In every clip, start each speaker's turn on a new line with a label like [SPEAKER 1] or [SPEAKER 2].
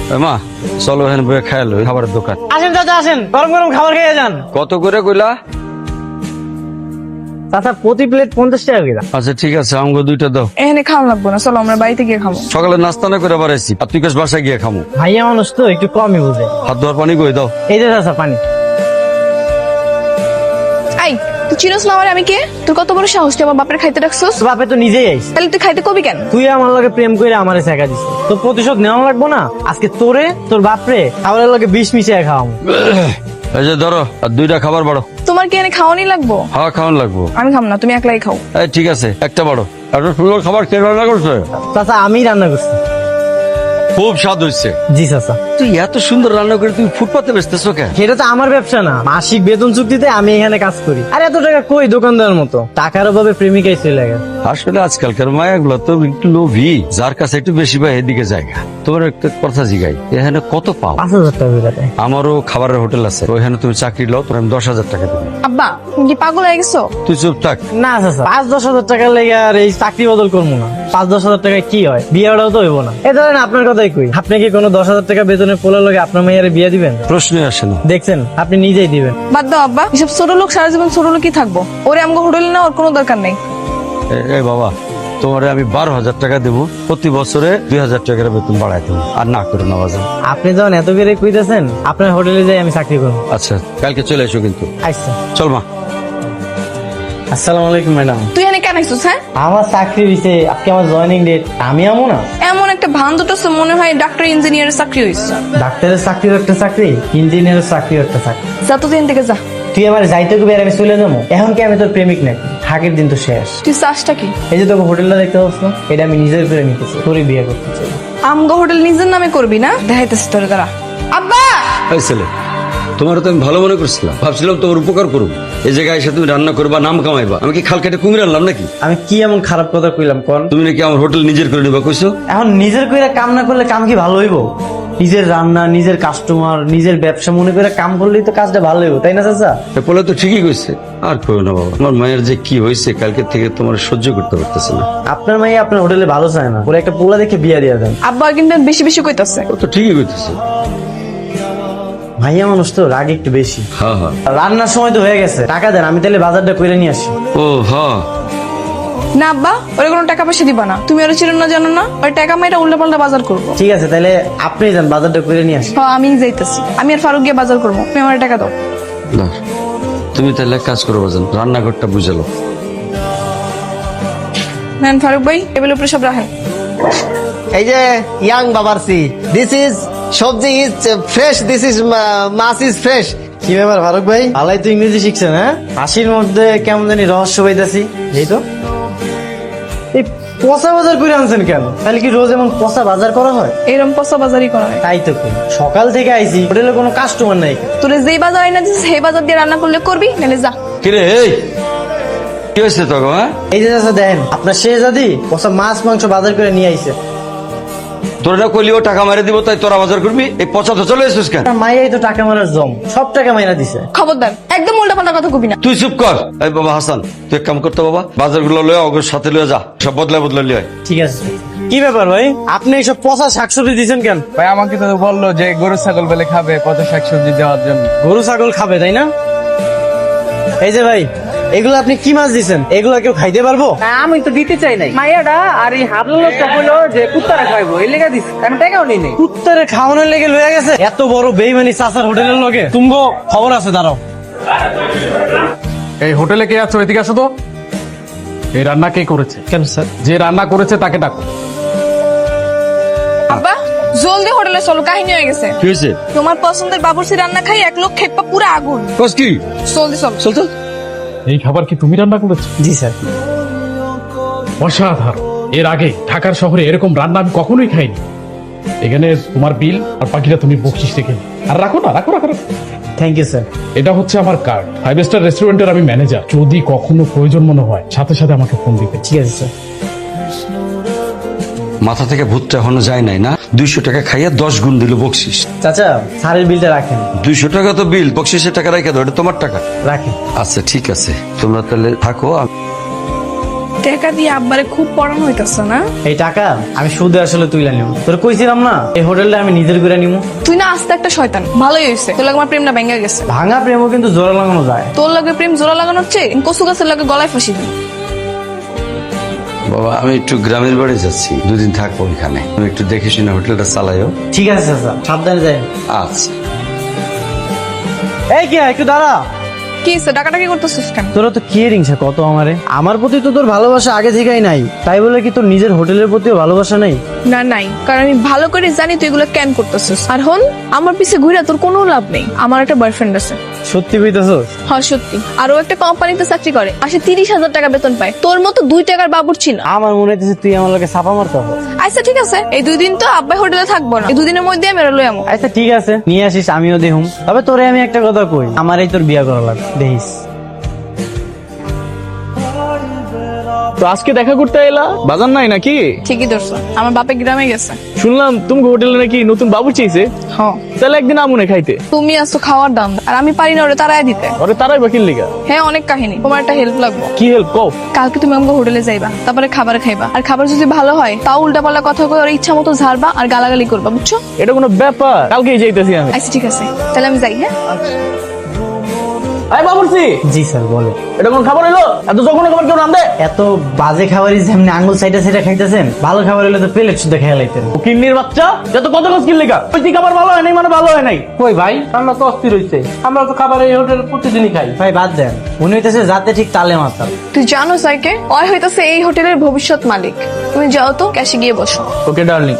[SPEAKER 1] মা চলো এখানে বসে খাই লো, খাবারের দোকান।
[SPEAKER 2] আসেন চাচা আসেন, গরম গরম খাবার খেয়ে যান।
[SPEAKER 1] কত করে কইলা?
[SPEAKER 2] চাচা প্রতি প্লেট 50 টাকা করে।
[SPEAKER 1] আচ্ছা ঠিক আছে, আমাকে 2টা দাও।
[SPEAKER 3] এখানে খাওয়া লাগবো না, চলো আমরা বাড়িতে গিয়ে খাবো।
[SPEAKER 1] সকালে নাস্তা না করে বাড়াইছি, আর তুই কাছ বাসায় গিয়ে খামু।
[SPEAKER 2] ভাইয়া মানুষ তো একটু কমই বুঝে।
[SPEAKER 1] হাত ধোয়ার পানি কই দাও।
[SPEAKER 2] এই যে চাচা পানি।
[SPEAKER 3] আই তুই চিনোস না আমার আমি কে? তোর কত বড় সাহস তুই আমার বাপের খাইতে রাখছস?
[SPEAKER 2] তোর বাপে তো নিজেই আইস।
[SPEAKER 3] তাহলে তুই খাইতে কবি কেন?
[SPEAKER 2] তুই আমার লগে প্রেম করে আমারে শেখা দিস, তো প্রতিশোধ নেওয়া লাগবো না? আজকে তোরে তোর বাপরে খাবারের লগে বিষ মিশিয়ে খাওয়াম।
[SPEAKER 1] এই যে ধরো, আর 2টা খাবার বাড়ো।
[SPEAKER 3] তোমার কি এনে খাওয়ানি লাগবো?
[SPEAKER 1] হ্যাঁ খাওয়ান লাগবো।
[SPEAKER 3] আমি খাম না, তুমি একলাই খাও।
[SPEAKER 1] এই ঠিক আছে, একটা বাড়ো। এত সুন্দর খাবার কে রান্না করছে?
[SPEAKER 2] চাচা আমি রান্না করছি।
[SPEAKER 1] খুব স্বাদ হয়েছে।
[SPEAKER 2] জি চাচা।
[SPEAKER 1] তুই এত সুন্দর রান্না করে তুমি ফুটপাতে বেচতেছো কেন?
[SPEAKER 2] সেটা তো আমার ব্যবসা না, মাসিক বেতন চুক্তিতে আমি এখানে কাজ করি। আর এত টাকা কই দোকানদার মতো? টাকার অভাবে প্রেমিকাই চলে গেছে।
[SPEAKER 1] আসলে আজকালকার মায়াগুলো তো একটু লোভী, যার কাছে একটু বেশি পায় এদিকে জায়গা। তোমার একটা কথা জিগাই, এখানে কত পাও?
[SPEAKER 2] 5000 টাকা করে দেয়।
[SPEAKER 1] আমারও খাবারের হোটেল আছে, ওইখানে তুমি চাকরি লও, তোমার আমি 10,000 টাকা দেবো।
[SPEAKER 3] আব্বা তুমি কি পাগল হয়ে গেছো?
[SPEAKER 1] তুই চুপ থাক।
[SPEAKER 2] না চাচা, 5-10 হাজার টাকা লেগে আর এই চাকরি বদল করবো না। 5-10 হাজার টাকায় কি হয়? বিয়েটাও তো হইব না। এ ধরেন আপনার কথাই কই, আপনি কি কোনো 10,000 টাকা বেতনের পোলা লগে আপনার মেয়ের বিয়ে দিবেন?
[SPEAKER 1] প্রশ্নই আসে না।
[SPEAKER 2] দেখছেন, আপনি নিজেই দিবেন।
[SPEAKER 3] বাদ দাও আব্বা, এসব ছোট লোক সারা জীবন ছোট লোকই থাকবো। ওরে আমগো হোটেলে না ওর কোনো দরকার নেই।
[SPEAKER 1] এই বাবা, তোমারে আমি 12,000 টাকা দেবো, প্রতি বছরে 2,000 টাকার বেতন বাড়াই দেবো। আর না করো না বাজার।
[SPEAKER 2] আপনি যখন এত করে কইতেছেন, আপনার হোটেলে যাই আমি চাকরি করবো।
[SPEAKER 1] আচ্ছা কালকে চলে এসো কিন্তু।
[SPEAKER 2] আচ্ছা।
[SPEAKER 1] চল মা।
[SPEAKER 2] আসসালামু আলাইকুম ম্যাডাম।
[SPEAKER 3] তুই এনে কেন আইসুস? হ্যাঁ
[SPEAKER 2] আমার চাকরি দিছে, আজকে আমার জয়েনিং ডেট। আমি আমো না?
[SPEAKER 3] এমন একটা ভান দুটো মনে হয় ডাক্তার ইঞ্জিনিয়ারের চাকরি হয়েছে।
[SPEAKER 2] ডাক্তারের চাকরিও একটা চাকরি, ইঞ্জিনিয়ারের চাকরিও একটা চাকরি।
[SPEAKER 3] যা তো দিন থেকে যা।
[SPEAKER 2] তুই আমার যাইতে কবি আর আমি চলে যাবো? এখন কি আমি তোর প্রেমিক নাকি? হাগের দিন তো শেষ।
[SPEAKER 3] তুই চাষটা কি?
[SPEAKER 2] এই যে তোকে হোটেলটা দেখতে পাচ্ছ না, এটা আমি নিজের করে নিতেছি, তোরই বিয়ে করতে চাই।
[SPEAKER 3] আমগো হোটেল নিজের নামে করবি না? দেখাইতেছি তোর দ্বারা। আব্বা
[SPEAKER 1] এই ছেলে, তোমার তো আমি ভালো মনে করছিলাম, ভাবছিলাম তোমার উপকার করবো। এই জায়গায় এসে তুমি রান্না করবা, নাম কামাইবা। আমি কি খাল কেটে কুমির আনলাম নাকি?
[SPEAKER 2] আমি কি এমন খারাপ কথা কইলাম কোন?
[SPEAKER 1] তুমি নাকি আমার হোটেল নিজের করে নিবা কইছো?
[SPEAKER 2] এখন নিজের কইরা কাম না করলে কাম কি ভালো হইব? নিজের রান্না, নিজের কাস্টমার, নিজের ব্যবসা মনে করে কাম করলেই তো কাজটা ভালো হইব, তাই না চাচা?
[SPEAKER 1] বলে তো ঠিকই কইছে। আর কইও না বাবা, আমার মায়ের যে কি হয়েছে কালকে থেকে তোমার সহ্য করতে পারতেছে না।
[SPEAKER 2] আপনার মাই আপনার হোটেলে ভালো চায় না, ওরা একটা পোলা দেখে বিয়া দিয়ে দেন।
[SPEAKER 3] আব্বা কিন্তু বেশি বেশি কইতাছে।
[SPEAKER 1] ও তো ঠিকই কইতেছে।
[SPEAKER 2] ভাইয়া মানুষ তো রাগ একটু বেশি।
[SPEAKER 1] হ্যাঁ হ্যাঁ।
[SPEAKER 2] রান্নার সময় তো হয়ে গেছে, টাকা দেন, আমি তাহলে বাজারটা করে নিয়ে আসি।
[SPEAKER 1] ও হ্যাঁ।
[SPEAKER 3] না আব্বা, ওরে কোনো টাকা পয়সা দিবা না। তুমি ওরে চিনো না জানো না, ওই টাকা মাইরা উল্টা পাল্টা বাজার করবো।
[SPEAKER 2] ঠিক আছে, তাহলে আপনি যান, বাজারটা করে নিয়ে আসি।
[SPEAKER 3] হ্যাঁ আমি যাইতেছি, আমি আর ফারুক গিয়ে বাজার করবো। তুমি আমার টাকা দাও।
[SPEAKER 1] না, তুমি তাহলে এক কাজ করো বাজান, রান্নাঘরটা বুঝালো।
[SPEAKER 3] নেন ফারুক ভাই, টেবিলের উপরে সব রাখেন।
[SPEAKER 4] এই যে ইয়াং বাবারসি, দিস ইজ সবজি ইজ ফ্রেশ, দিস ইজ মাছ ইজ ফ্রেশ।
[SPEAKER 2] কি ব্যাপার ফারুক ভাই, ভালাই তো ইংরেজি শিখছেন? হ্যাঁ, হাসির মধ্যে কেমন জানি রহস্য পাইতাছি। এই তো এই পচা বাজার করে আনছেন কেন? তাহলে কি রোজ এমন পচা বাজার করা হয়?
[SPEAKER 3] এরম পচা বাজারই করা হয়।
[SPEAKER 2] তাই তো কই, সকাল থেকে আইছি, হোটেলে কোনো কাস্টমার নাই।
[SPEAKER 3] তোরে যেই বাজার আইনা দিস সেই বাজার দিয়ে রান্না করলে করবি, নাহলে যা।
[SPEAKER 1] কিরে এই কি হয়েছে তোকে? হ্যাঁ,
[SPEAKER 2] এই যে চাচা দেখেন, আপনার শেহজাদি পচা মাছ মাংস বাজার করে নিয়ে আইছে।
[SPEAKER 1] তোর না কইলিও টাকা মারে দিব, তাই তোরা বাজার করবি? এই পচা তো চলে এসেছিস কেন?
[SPEAKER 2] আপনার মাইয়াই তো টাকা মারার জম, সব টাকা মাইরা দিছে।
[SPEAKER 3] খবরদার, একদম উল্টা পাল্টা কথা কবি না।
[SPEAKER 1] তুই চুপ কর। এই বাবা হাসান, তুই এক কাম করতে বাবা, বাজারগুলো লয়ে অগর সাথে লয়ে যা, সব বদলা বদলা লিয়ে আয়।
[SPEAKER 2] ঠিক আছে। কি ব্যাপার ভাই, আপনি এইসব পচা শাকসবজি দিচ্ছেন কেন?
[SPEAKER 5] ভাই আমাকে তো বললো যে গরু ছাগল বেলে খাবে, পচা শাকসবজি দেওয়ার জন্য।
[SPEAKER 2] গরু ছাগল খাবে তাই না? এই যে ভাই, এগুলো আপনি কি মাছ দিচ্ছেন? এগুলো কেউ খাইতে পারবো?
[SPEAKER 5] আমি তো দিতে চাই নাই, মাইয়াটা আর এই হাবলো লোকটা বললো যে কুত্তারা খাইবো, এই লেগে দিস, আমি টাকাও নিই নাই।
[SPEAKER 2] কুত্তারে খাওয়ানোর লেগে লয়ে গেছে? এত বড় বেইমানি চাচার হোটেলের লগে? তুমগো খবর আছে, দাঁড়াও।
[SPEAKER 6] এই হোটেলে কে আছো? এদিকে আসো তো। এই রান্না কে করেছে?
[SPEAKER 2] কেন স্যার?
[SPEAKER 6] যে রান্না করেছে তাকে ডাকো।
[SPEAKER 3] আব্বা জলদি হোটেলে চলো, কাহিনী হয়ে গেছে।
[SPEAKER 1] কি হয়েছে?
[SPEAKER 3] তোমার পছন্দের বাবুর্চি রান্না খাই এক লোক খেপা পুরো আগুন।
[SPEAKER 1] কস কি?
[SPEAKER 3] জলদি চল।
[SPEAKER 1] চল চল।
[SPEAKER 6] এই খাবার কি তুমি রান্না করেছো?
[SPEAKER 2] জি স্যার।
[SPEAKER 6] অসাধারণ। এর আগে ঢাকার শহরে এরকম রান্না আমি কখনোই খাইনি। এখানে তোমার বিল আর বাকিটা তুমি বকশিস রেখে নিও। আর রাখো না, রাখো রাখো রাখো।
[SPEAKER 2] Thank you sir.
[SPEAKER 6] এটা হচ্ছে আমার কার্ড। 5 স্টার রেস্টুরেন্টের আমি ম্যানেজার। যদি কখনো প্রয়োজন মনে হয় সাথে সাথে আমাকে ফোন দিবে।
[SPEAKER 2] ঠিক আছে স্যার।
[SPEAKER 1] মাথা থেকে ভূতটা এখনো যায় নাই না? 200 টাকা খাইয়া 10 গুণ দিল বকশিস।
[SPEAKER 2] চাচা স্যারের বিলটা রাখেন।
[SPEAKER 1] 200 টাকা তো বিল, বকশিসের টাকা রেখে দাও, এটা তোমার টাকা।
[SPEAKER 2] রাখেন।
[SPEAKER 1] আচ্ছা ঠিক আছে, তোমরা তাহলে থাকো।
[SPEAKER 3] দেখ টাকা দিয়ে আব্বারে খুব পড়ানো হইতাছে না?
[SPEAKER 2] এই টাকা আমি সুদে আসলে তুইলা নিব। তোর কইছিলাম না এই হোটেলটা আমি নিজের করে নিবো।
[SPEAKER 3] তুই না আস্তে একটা শয়তান। ভালোই হয়েছে, তোর লাগে আমার প্রেমটা ভেঙে গেছে।
[SPEAKER 2] ভাঙা প্রেমও কিন্তু জোড়া লাগানো যায়।
[SPEAKER 3] তোর লাগে প্রেম জোড়া লাগানোর চেয়ে কচু গাছের লাগে গলায় ফাঁসি দিই।
[SPEAKER 1] বাবা আমি একটু গ্রামের বাড়ি যাচ্ছি, 2 দিন থাকবো এখানে, তুমি একটু দেখে শুনে হোটেলটা চালাইও।
[SPEAKER 2] ঠিক আছে চাচা, সাবধানে যাই।
[SPEAKER 1] আচ্ছা।
[SPEAKER 2] এই কি একটু দাঁড়া।
[SPEAKER 3] কি হয়েছে, ডাকাডাকি করতেছিস কেন?
[SPEAKER 2] তোরা তো কি রিংসা কত আমারে, আমার প্রতি তো তোর ভালোবাসা আগে থেকেই নাই, তাই বলে কি তোর নিজের হোটেলের প্রতিও ভালোবাসা নেই?
[SPEAKER 3] না নাই, কারণ আমি ভালো করে জানি তুই এগুলো কেন করতেছিস। আর হন, আমার পিছে ঘুরে তোর কোনো লাভ নেই। আমার একটা বয়ফ্রেন্ড আছে।
[SPEAKER 2] সত্যি কইতাছস?
[SPEAKER 3] হ্যাঁ সত্যি। আর ও একটা কোম্পানিতে চাকরি করে, মাসে 30,000 টাকা বেতন পায়। তোর মতো 2 টাকার বাবুর ছিল।
[SPEAKER 2] আমার মনে হইতেছে তুই আমার লগে ছাপা মারতে হবে।
[SPEAKER 3] আচ্ছা ঠিক আছে, এই 2 দিন তো আব্বাই হোটেলে থাকবো না, এই 2 দিনের মধ্যে আমি লই আমো।
[SPEAKER 2] আচ্ছা ঠিক আছে, নিয়ে আসিস, আমিও দেহুম। তবে তোরে আমি একটা কথা কই, আমারই তোর বিয়া করা লাগবে, দেখিস।
[SPEAKER 7] তো আজকে দেখা করতে এলা, বাজার নাই নাকি?
[SPEAKER 3] ঠিকই ধরছো, আমার বাপে গ্রামে গেছে।
[SPEAKER 7] শুনলাম তুমি হোটেলে নাকি নতুন বাবু চেয়েছে।
[SPEAKER 3] হ্যাঁ,
[SPEAKER 7] তাহলে একদিন আমুনে খাইতে।
[SPEAKER 3] তুমি আসছো খাওয়ার দাম, আর আমি পারি না ওরে তারাই দিতে।
[SPEAKER 7] ওরে তারাই বাকির লিগা।
[SPEAKER 3] হ্যাঁ অনেক কাহিনী, তোমার একটা হেল্প লাগবে।
[SPEAKER 7] কি হেল্প কও?
[SPEAKER 3] কালকে তুমি আমাকে হোটেলে যাইবা, তারপরে খাবার খাইবা, আর খাবার যদি ভালো হয় তাও উল্টাপাল্টা কথা কই ওর ইচ্ছা মতো ঝাড়বা আর গালাগালি করবা, বুঝছো?
[SPEAKER 7] এটা কোনো ব্যাপার? কালকেই যাইতেছি আমি।
[SPEAKER 3] আচ্ছা ঠিক আছে, তাহলে আমি যাই। হ্যাঁ
[SPEAKER 7] আই বাবুরসি,
[SPEAKER 2] জি স্যার বলে।
[SPEAKER 7] এটা কোন খাবার হইলো? এত যখন খাবার কেউ নাম দে।
[SPEAKER 2] এত বাজে খাবারই যেমনি আঙ্গুল সাইডে সাইডে খাইতেছেন, ভালো খাবার হলে তো প্লেট শুদ্ধ খেয়ে লাইতেন।
[SPEAKER 7] ও কিন্নির বাচ্চা, যত কত কত কিল লিগা। ওই খাবার ভালো হয় নাই মানে ভালো হয় নাই।
[SPEAKER 5] কই ভাই, আমরা তো অস্থির হইছে। আমরা তো খাবার এই হোটেল প্রতিদিনই খাই।
[SPEAKER 2] ভাই বাদ দেন, মনে হইতেছে যাতে ঠিক তালে মাতাল।
[SPEAKER 3] তুই জানো সাইকে ওই হইতাছে এই হোটেলের ভবিষ্যৎ মালিক। তুমি যাও তো, ক্যাশে গিয়ে বসো।
[SPEAKER 7] ওকে ডার্লিং।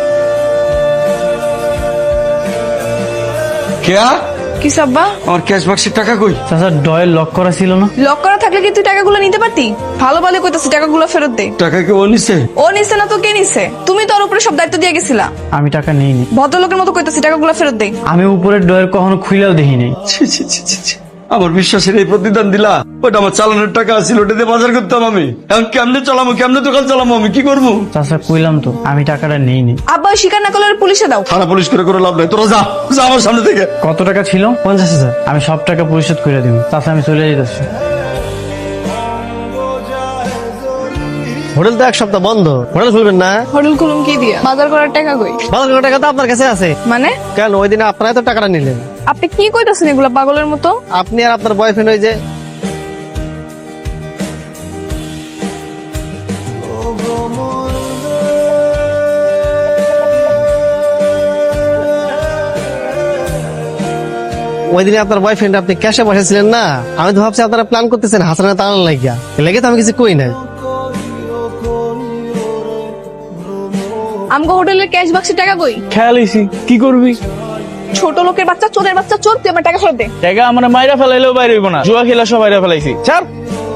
[SPEAKER 1] কেয়া
[SPEAKER 3] কি সাব্বা,
[SPEAKER 1] আমার ক্যাশ বাক্সের টাকা কই?
[SPEAKER 2] চাচা ডয়ের লক করা ছিল না?
[SPEAKER 3] লক করা থাকলে কি তুই টাকাগুলো নিতে পারতি? ভালো ভালো কইতাছি টাকাগুলো ফেরত দে।
[SPEAKER 1] টাকা কি ও নিছে?
[SPEAKER 3] ও নিছে না তো কে নিছে? তুমি তোর উপরে সব দায়িত্ব দিয়ে গেছিলা।
[SPEAKER 2] আমি টাকা নেইনি।
[SPEAKER 3] ভদ্রলোকের মতো কইতাছি টাকাগুলো ফেরত দে।
[SPEAKER 2] আমি উপরের ডয়ের কখনো খুইলাও দেখি নাই।
[SPEAKER 1] ছি, ছি, ছি, ছি, ছি। আমার বিশ্বাসের এই প্রতিদান দিলা? ওটা আমার চালানোর টাকা ছিল, ওটা দিয়ে বাজার করতাম আমি। এখন কেমনে চালামো, কেমনে দোকান চালামো, আমি কি করবো?
[SPEAKER 2] চাচা কইলাম তো আমি টাকাটা নেইনি।
[SPEAKER 3] আব্বা স্বীকার না করলে পুলিশে দাও।
[SPEAKER 1] থানা পুলিশ করে করে লাভ নাই, তোরা যা যা আমার সামনে থেকে।
[SPEAKER 2] কত টাকা ছিল? 50,000। আমি সব টাকা পরিশোধ করে দিব। চাচা আমি চলে যেতেছি।
[SPEAKER 4] হোটেল তো 1 সপ্তাহ বন্ধ, হোটেল খুলবেন না?
[SPEAKER 3] হোটেল খুলুম কি দিয়া? বাজার করার টাকা কই?
[SPEAKER 4] বাজার করার টাকা তো আপনার কাছে আছে।
[SPEAKER 3] মানে
[SPEAKER 4] কেন ওই দিনে আপনারাই তো টাকাটা নিলেন।
[SPEAKER 3] আপনি কি কইতাছেন এগুলা পাগলের মতো?
[SPEAKER 4] আপনি আর আপনার বয়ফ্রেন্ড ওই যে ওই দিনে আপনার বয়ফ্রেন্ড আপনি ক্যাশে বসেছিলেন না, আমি তো ভাবছি আপনারা প্ল্যান করতেছেন হাসানের তাড়ান লাগিয়া, লেগে তো আমি কিছু কই নাই।
[SPEAKER 3] আমগো হোটেলের ক্যাশ বাক্সের টাকা কই?
[SPEAKER 7] খেয়াল হইছি, কি করবি?
[SPEAKER 3] ছোট লোকের বাচ্চা, চোরের বাচ্চা, চোর, তুই আমার টাকা ফেরত দে।
[SPEAKER 7] টাকা আমার মাইরা ফেলাইলেও বাইরে হইব না, জুয়া খেলা সব বাইরে ফেলাইছি। ছাড়।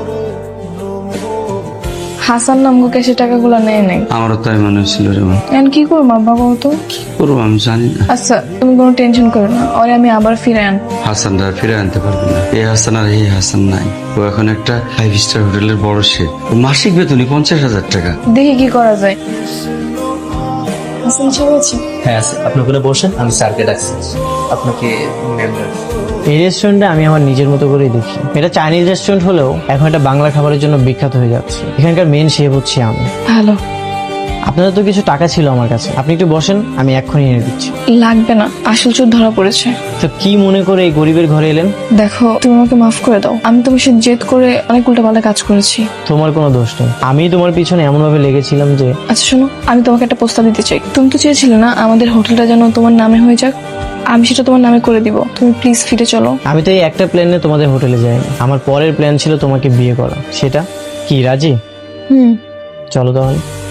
[SPEAKER 3] হাসান নামগো ক্যাশের টাকাগুলো নেয় নাই।
[SPEAKER 1] আমারও তাই মনে হচ্ছিল রে মা।
[SPEAKER 3] এখন কি করবো আব্বা বলতো?
[SPEAKER 1] করবো আমি জানি না।
[SPEAKER 3] আচ্ছা তুমি কোনো টেনশন করো না, ওরে আমি আবার ফিরে আন।
[SPEAKER 1] হাসানরা আর ফিরে আনতে পারবে না। এই হাসান আর এই হাসান নাই। ও এখন একটা 5 স্টার হোটেলের বড় শেফ। ওর মাসিক বেতনই 50,000 টাকা।
[SPEAKER 3] দেখি কি করা যায়। হাসান সাহেব আছে?
[SPEAKER 8] হ্যাঁ আছে, আপনি ওখানে বসেন, আমি স্যারকে ডাকছি আপনাকে মেম্বার।
[SPEAKER 2] এই রেস্টুরেন্টে আমি আমার নিজের মতো করেই দেখি। এটা চাইনিজ রেস্টুরেন্ট হলেও এখন এটা বাংলা খাবারের জন্য বিখ্যাত হয়ে যাচ্ছে। এখানকার মেন শেফ হচ্ছে আমি।
[SPEAKER 3] ভালো।
[SPEAKER 2] আপনাদের তো কিছু টাকা ছিল আমার কাছে, আপনি একটু বসেন, আমি এক্ষুনি এনে দিচ্ছি।
[SPEAKER 3] লাগবে না, আসল চোর ধরা পড়েছে।
[SPEAKER 2] তো কি মনে করে এই গরিবের ঘরে এলেন?
[SPEAKER 3] দেখো তুমি আমাকে মাফ করে দাও, আমি তোমার সাথে জেদ করে অনেক উল্টাপাল্টা কাজ করেছি।
[SPEAKER 2] তোমার কোনো দোষ নেই, আমি তোমার পিছনে এমন ভাবে লেগেছিলাম যে।
[SPEAKER 3] আচ্ছা শোনো, আমি তোমাকে একটা প্রস্তাব দিতে চাই। তুমি তো চেয়েছিলে না আমাদের হোটেলটা যেন তোমার নামে হয়ে যাক, আমি সেটা তোমার নামে করে দিব। তুমি প্লিজ ফিরে চলো।
[SPEAKER 2] আমি তো এই একটা প্ল্যানে তোমাদের হোটেলে যাইনি, আমার পরের প্ল্যান ছিল তোমাকে বিয়ে করা। সেটা কি রাজি?
[SPEAKER 3] হুম।
[SPEAKER 2] চলো তাহলে।